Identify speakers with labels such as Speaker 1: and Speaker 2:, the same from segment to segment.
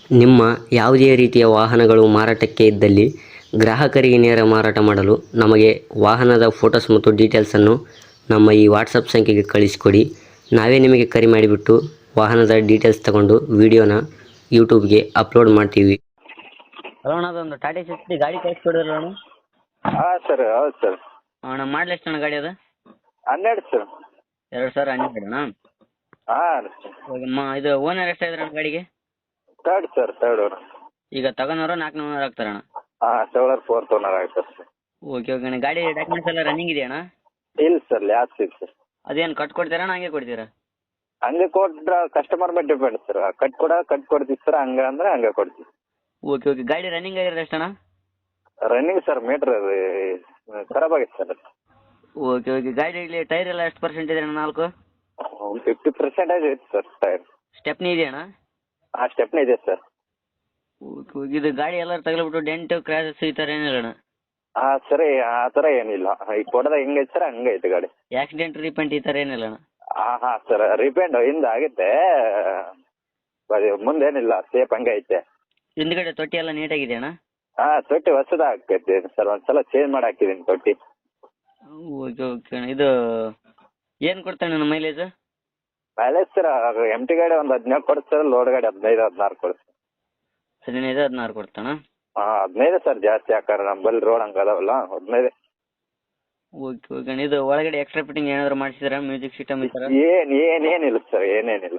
Speaker 1: ನಿಮ್ಮ ಯಾವುದೇ ರೀತಿಯ ವಾಹನಗಳು ಮಾರಾಟಕ್ಕೆ ಇದ್ದಲ್ಲಿ ಗ್ರಾಹಕರಿಗೆ ನೇರ ಮಾರಾಟ ಮಾಡಲು ನಮಗೆ ವಾಹನದ ಫೋಟೋಸ್ ಮತ್ತು ಡೀಟೇಲ್ಸನ್ನು ನಮ್ಮ ಈ ವಾಟ್ಸಪ್ ಸಂಖ್ಯೆಗೆ ಕಳಿಸಿಕೊಡಿ. ನಾವೇ ನಿಮಗೆ ಕರೆ ಮಾಡಿಬಿಟ್ಟು ವಾಹನದ ಡೀಟೇಲ್ಸ್ ತಗೊಂಡು ವಿಡಿಯೋನ ಯೂಟ್ಯೂಬ್ಗೆ ಅಪ್ಲೋಡ್ ಮಾಡ್ತೀವಿ. ಹಲೋ ಅಣ್ಣ, ಅದೊಂದು ಟಾಟಾ ಸಿಕ್ಸ್ಟಿ ಗಾಡಿ ಕಳಿಸ್ಕೊಡಿದ್ರಲ್ಲ ಅಣ್ಣ?
Speaker 2: ಹಾಂ ಸರ್, ಹೌದು ಸರ್.
Speaker 1: ಅಣ್ಣ ಮಾಡಲಿ ಎಷ್ಟು ಅಣ್ಣ ಗಾಡಿ ಅದು?
Speaker 2: 12 ಸರ್.
Speaker 1: 2012 ಅಣ್ಣ?
Speaker 2: ಹಾಂ
Speaker 1: ಇದು ಓನರ್ ಎಷ್ಟಾಗಿದ್ರೆ ಅಣ್ಣ ಗಾಡಿಗೆ?
Speaker 2: Third sir, third owner.
Speaker 1: ಈಗ ತಗೊಂಡವರು 4 ಓನರ್ ಆಗ್ತಾರಣ್ಣ?
Speaker 2: ಹಾಂ, ತಗೊಳ್ಳೋರು 4th ಓನರ್ ಆಗ್ತಾರೆ ಸರ್.
Speaker 1: ಓಕೆ ಓಕೆ ಅಣ್ಣ. ಗಾಡಿ ಡಾಕ್ಯುಮೆಂಟ್ಸ್ ಎಲ್ಲ ರನ್ನಿಂಗ್ ಇದೆಯಣ್ಣ?
Speaker 2: ಇಲ್ಲ ಸರ್, ಲ್ಯಾಬ್ಸ್ ಇದೆ ಸರ್.
Speaker 1: ಅದೇನು ಕಟ್ಕೊಡ್ತೀರಾ ಹಂಗೆ ಕೊಡ್ತೀರಾ?
Speaker 2: ಹಂಗೆ ಕೊಟ್ರೆ ಕಸ್ಟಮರ್ ಮೇಲೆ ಡಿಪೆಂಡ್ ಸರ್. ಕಟ್ಕೊಡ್ತೀವಿ ಸರ್, ಹಂಗೆ ಅಂದ್ರೆ ಹಂಗೆ ಕೊಡ್ತೀವಿ.
Speaker 1: Okay okay. ಗಾಡಿ ರನ್ನಿಂಗ್ ಆಗಿರೋದು ಎಷ್ಟಣ್ಣ?
Speaker 2: ರನ್ನಿಂಗ್ ಸರ್, ಮೀಟ್ರ್ ಖರಾಬ್ ಆಗಿದೆ ಸರ್.
Speaker 1: Okay okay. ಗಾಡಿಯಲ್ಲಿ ಟೈರ್ ಎಲ್ಲ ಎಷ್ಟು ಪರ್ಸೆಂಟ್ ಇದೆ ಅಣ್ಣ? 4?
Speaker 2: 50% ಐತೆ ಸರ್ ಟೈರ್.
Speaker 1: ಸ್ಟೆಪ್ನಿ ಇದೆಯಣ್ಣ?
Speaker 2: ಹಾಂ, ಸ್ಟೆಪ್ನೇ ಇದೆ ಸರ್.
Speaker 1: Okay okay. ಇದು ಗಾಡಿ ಎಲ್ಲರೂ ತಗಲಿಬಿಟ್ಟು ಡೆಂಟು ಕ್ರ್ಯಾಸಸ್ ಈ ಥರ ಏನಿಲ್ಲ ಅಣ್ಣ?
Speaker 2: ಹಾಂ ಸರಿ, ಆ ಥರ ಏನಿಲ್ಲ. ಈಗ ಕೊಡೋದ ಹೆಂಗೈತೆ ಸರ್ ಹಂಗೆ ಐತೆ ಗಾಡಿ.
Speaker 1: ಆಕ್ಸಿಡೆಂಟ್ ರೀಪೇಂಟ್ ಈ ಥರ ಏನಿಲ್ಲ ಅಣ್ಣ?
Speaker 2: ಹಾಂ ಹಾಂ ಸರ್, ರಿಪೇಂಡ್ ಹಿಂದೆ ಆಗುತ್ತೆ, ಮುಂದೇನಿಲ್ಲ, ಸೇಫ್ ಹಂಗೆ ಐತೆ.
Speaker 1: ಹಿಂದ್ಗಡೆ ತೊಟ್ಟಿ ಎಲ್ಲ ನೀಟಾಗಿದೆ ಅಣ್ಣ?
Speaker 2: ಹಾಂ, ತೊಟ್ಟಿ ಹೊಸದ ಹಾಕೈತಿ ಸರ್, ಒಂದ್ಸಲ ಚೇಂಜ್ ಮಾಡಿ ಹಾಕಿದ್ದೀನಿ ತೊಟ್ಟಿ.
Speaker 1: ಓಕೆ ಓಕೆ ಅಣ್ಣ. ಇದು ಏನು ಕೊಡ್ತಾನೆ ಅಣ್ಣ mileage?
Speaker 2: Mileage sir, M T ಗಾಡಿ ಒಂದು 17 ಕೊಡುತ್ತೆ ಸರ್, ಲೋಡ್ ಗಾಡಿ 15-16 ಕೊಡುತ್ತೆ.
Speaker 1: 15-16 ಕೊಡ್ತಾನ?
Speaker 2: ಹಾಂ, 15 ಸರ್, ಜಾಸ್ತಿ ಹಾಕಾರ ನಮ್ಮಲ್ಲಿ ರೋಡ್ ಹಂಗೆ ಅದಾವಲ್ಲ, 15.
Speaker 1: ಓಕೆ ಓಕೆ ಅಣ್ಣ. ಇದು ಒಳಗಡೆ ಎಕ್ಸ್ಟ್ರಾ ಫಿಟ್ಟಿಂಗ್ ಏನಾದರೂ ಮಾಡಿಸಿದ್ರಾ? ಮ್ಯೂಸಿಕ್ ಸಿಸ್ಟಮ್ ಈ ಥರ?
Speaker 2: ಏನಿಲ್ಲ ಸರ್, ಏನೇನಿಲ್ಲ.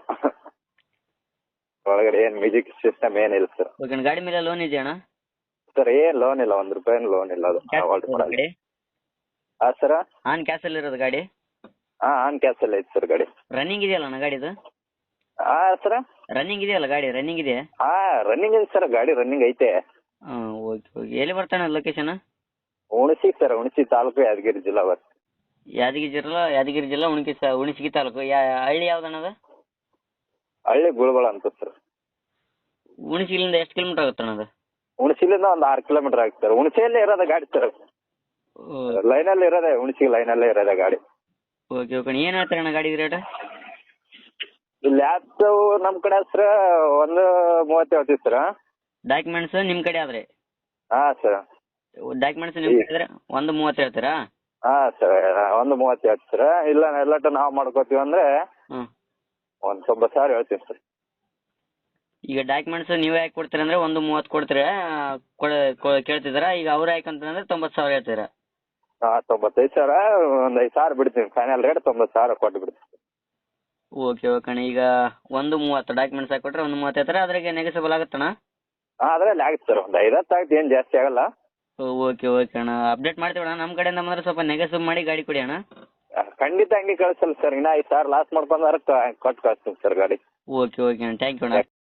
Speaker 2: ಒಳಗಡೆ ಏನು ಮ್ಯೂಸಿಕ್ ಸಿಸ್ಟಮ್ ಏನಿಲ್ಲ ಸರ್.
Speaker 1: ಓಕೆ ಅಣ್ಣ. ಗಾಡಿ ಮೇಲೆ ಲೋನ್ ಇದೆಯಾ ಅಣ್ಣ?
Speaker 2: ಸರ್ ಏನು ಲೋನ್ ಇಲ್ಲ, 1 ರೂಪಾಯಿನೂ ಲೋನ್ ಇಲ್ಲ. ಅದು ಆಲ್ಟ್ ಮಾಡಲ್ಲ.
Speaker 1: ಗಾಡಿ
Speaker 2: ಹಾಂ ಸರ್.
Speaker 1: ಆನ್ ಕ್ಯಾಸಲ್ಲಿ ಇರೋದು ಗಾಡಿ?
Speaker 2: ಹಾಂ, ಆನ್ ಕ್ಯಾಸಲ್ಲಿ ಐತೆ ಸರ್ ಗಾಡಿ.
Speaker 1: ರನ್ನಿಂಗ್ ಇದೆಯಲ್ಲ ಅಣ್ಣ ಗಾಡಿದು?
Speaker 2: ಹಾಂ ಸರ್.
Speaker 1: ರನ್ನಿಂಗ್ ಇದೆಯಲ್ಲ ಗಾಡಿ? ರನ್ನಿಂಗ್ ಇದೆ?
Speaker 2: ಹಾಂ, ರನ್ನಿಂಗ್ ಇದೆ ಸರ್, ಗಾಡಿ ರನ್ನಿಂಗ್ ಐತೆ.
Speaker 1: ಹಾಂ ಓಕೆ ಓಕೆ. ಎಲ್ಲಿ ಬರ್ತಾನೆ ಲೊಕೇಶನ್?
Speaker 2: ಹುಣಸಿ ಸರ್, ಹುಣಸಿ ತಾಲೂಕು, ಯಾದಗಿರಿ ಜಿಲ್ಲಾ ಬರ್ತದೆ.
Speaker 1: ಯಾದಗಿರಿ ಜಿಲ್ಲಾ ಹುಣಸಗಿ ತಾಲೂಕು. ಹಳ್ಳಿ ಯಾವ್ದಣ್ಣ ಅದು?
Speaker 2: ಹಳ್ಳಿ ಗುಳ್ಬಳ ಅಂತ ಸರ್.
Speaker 1: ಹುಣಸಿಲಿಂದ ಎಷ್ಟು ಕಿಲೋಮೀಟರ್ ಆಗುತ್ತೆ ಅಣ್ಣ ಅದು?
Speaker 2: ಹುಣಸಿಲಿಂದ ಒಂದು 6 ಕಿಲೋಮೀಟರ್ ಆಗುತ್ತೆ ಸರ್. ಹುಣಸಿಯಲ್ಲೇ ಇರೋದ ಗಾಡಿ ಸರ್, ಲೈನಲ್ಲಿ ಇರೋದೆ, ಹುಣಸಿ ಲೈನಲ್ಲೇ ಇರೋದೆ ಗಾಡಿ.
Speaker 1: Okay okay. ಏನು ಹೇಳ್ತಾರೆ ಅಣ್ಣ ಗಾಡಿ ರೇಟ್?
Speaker 2: ಲ್ಯಾಬ್ಸು ನಮ್ಮ ಕಡೆ ಸರ್ 1.30 ಹೇಳ್ತೀವಿ ಸರ್.
Speaker 1: ಡಾಕ್ಯುಮೆಂಟ್ಸ್ ನಿಮ್ಮ ಕಡೆ ಆದರೆ?
Speaker 2: ಹಾಂ ಸರ್.
Speaker 1: ಡಾಕ್ಯುಮೆಂಟ್ಸ್ ನಿಮ್ಮ ಕಡೆ ಆದರೆ 1.30 ಹೇಳ್ತೀರಾ?
Speaker 2: ಹಾಂ ಸರ್, 1.30 ಹೇಳ್ತೀವಿ ಸರ್. ಇಲ್ಲ ಎಲ್ಲಟ್ಟು ನಾವು ಮಾಡ್ಕೋತೀವಿ ಅಂದರೆ
Speaker 1: ಹ್ಞೂ,
Speaker 2: ಒಂದು 90,000 ಹೇಳ್ತೀವಿ ಸರ್.
Speaker 1: ಈಗ ಡಾಕ್ಯುಮೆಂಟ್ಸ್ ನೀವೇ ಹಾಕಿ ಕೊಡ್ತೀರ ಅಂದರೆ 1.30 ಕೊಡ್ತೀರಾ ಕೇಳ್ತಿದ್ದೀರಾ? ಈಗ ಅವ್ರು ಹಾಕಂತಂದ್ರೆ 90,000 ಹೇಳ್ತೀರಾ?
Speaker 2: ಹಾಂ, 95,000, ಒಂದು 5,000 ಬಿಡ್ತೀನಿ. ಫೈನಲ್ ರೇಟ್ 90,000 ಕೊಟ್ಟು ಬಿಡ್ತೀನಿ.
Speaker 1: ಓಕೆ ಓಕೆ ಅಣ್ಣ. ಈಗ 1.30 ಡಾಕ್ಯುಮೆಂಟ್ಸ್ ಹಾಕಿ ಕೊಟ್ಟರೆ 1.30 ಹೇಳ್ತಾರೆ. ಅದ್ರಾಗೆ ನೆಗೆಸಬಲ್ ಆಗುತ್ತಣ್ಣ?
Speaker 2: ಹಾಂ, ಅದರಲ್ಲಿ ಆಗುತ್ತೆ ಸರ್, ಒಂದು 5-10 ಆಗುತ್ತೆ, ಏನು ಜಾಸ್ತಿ ಆಗಲ್ಲ.
Speaker 1: ಓಕೆ ಓಕೆ ಅಣ್ಣ. ಅಪ್ಡೇಟ್ ಮಾಡ್ತೀವಿ ಅಣ್ಣ. ನಮ್ಮ ಕಡೆಯಿಂದ ಬಂದರೆ ಸ್ವಲ್ಪ ನೆಗೆಸಬ್ ಮಾಡಿ ಗಾಡಿ ಕೊಡಿ ಅಣ್ಣ.
Speaker 2: ಖಂಡಿತ ಹಂಗೆ ಕಳಿಸಲ್ಲ ಸರ್, ಇನ್ನೂ 5,000 ಲಾಸ್ ಮಾಡ್ಕೊಂಡ್ರೆ ಕೊಟ್ಟು ಕಳಿಸ್ತೀನಿ ಸರ್ ಗಾಡಿ.
Speaker 1: ಓಕೆ ಓಕೆ ಅಣ್ಣ. ಥ್ಯಾಂಕ್ ಯು ಅಣ್ಣ.